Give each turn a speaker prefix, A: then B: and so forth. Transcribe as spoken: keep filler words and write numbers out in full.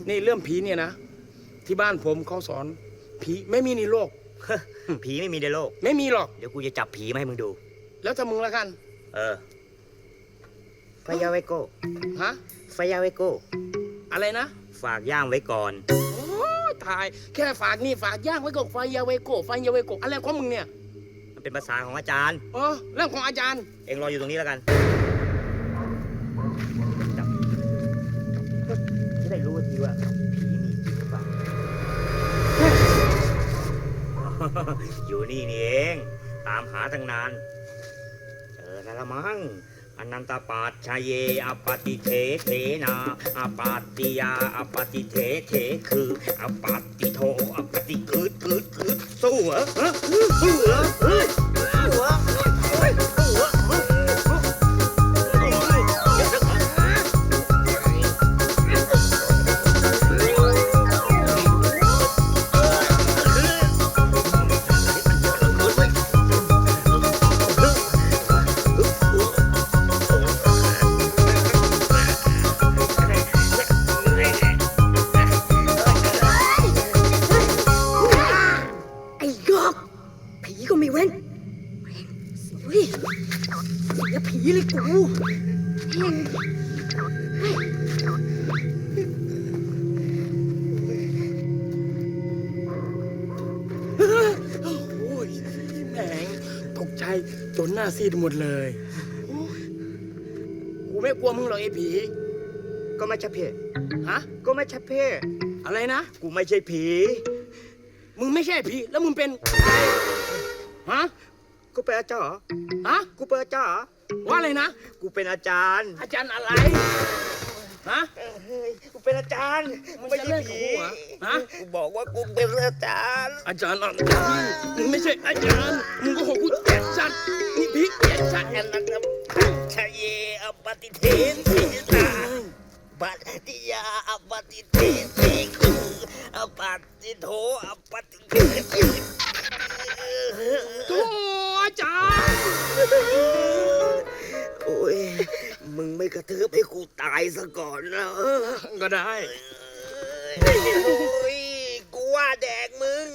A: นี่เรื่องผีเนี่ยนะที่บ้านผมเขาสอนผีไม่มีในโลก
B: ผีไม่มีในโลก
A: ไม่มีหรอก
B: เดี๋ยวกูจะจับผีมาให้มึงดู
A: แล้วถ้ามึงละกัน
B: เออไฟยาไวโก้
A: ฮะ
B: ไฟยาไวโก้
A: อะไรนะ
B: ฝากย่างไว้ก่อน
A: โอ้ตายแค่ฝากนี่ฝากย่างไว้ก่อนไฟยาไวโก้ไฟยาไวโก้อะไรของมึงเนี่ย
B: มันเป็นภาษาของอาจารย์
A: อ๋อเรื่องของอาจารย์
B: เอ็งรออยู่ตรงนี้แล้วกันจะได้รู้ทีว่าผีมีจริงหรือเปล่า อยู่นี่นี่เองตามหาตั้งนานเจอแล้วละมั้งอนันตปัจชเยอปฏิเทเทนาอปัตติยาอปฏิเทเทคืออปัตติโทอปฏิคืดคืดคืดสู้เหรอสู้เหรอเฮ้ยสู้เหรอเฮ้ยสู้เหรอ
C: ผีเลยกูเฮง
A: โอ้ยแหมงตกใจจนหน้าซีดหมดเลยกูไม่กลัวมึงหรอกไอ้ผี
B: ก็ไม่ใช่เพศ
A: ฮะ
B: ก็ไม่ใช่เพศ
A: อะไรนะ
B: กูไม่ใช่ผี
A: มึงไม่ใช่ผีแล้วมึงเป็นฮะ
B: กูเป็นอาจารย์
A: ฮะ
B: กูเป็นอาจารย์
A: ว่าอะไรนะ
B: กูเป็นอาจารย์
A: อาจารย์อะไรฮะ
B: เฮ้ยกูเป็นอาจารย์ไม่ใช่ผี
A: ฮะ
B: กูบอกว่ากูเป็นอาจารย์
A: อาจารย์อะไรมึงไม่ใช่อาจารย์มึงก็หกกูแก่ชัดนี่ผีแก่ชัด
B: อันนั้นชเยอปฏิเทนเทนาปฏิยาอปฏิเทนเทคืออปฏิโทอปฏิเทน
A: โธ่อาจารย์
B: โอ้ยมึงไม่กระทืบให้กูตายซะก่อนนะ
A: ก็ได้
B: โอ้ยกูว่าแดกมึง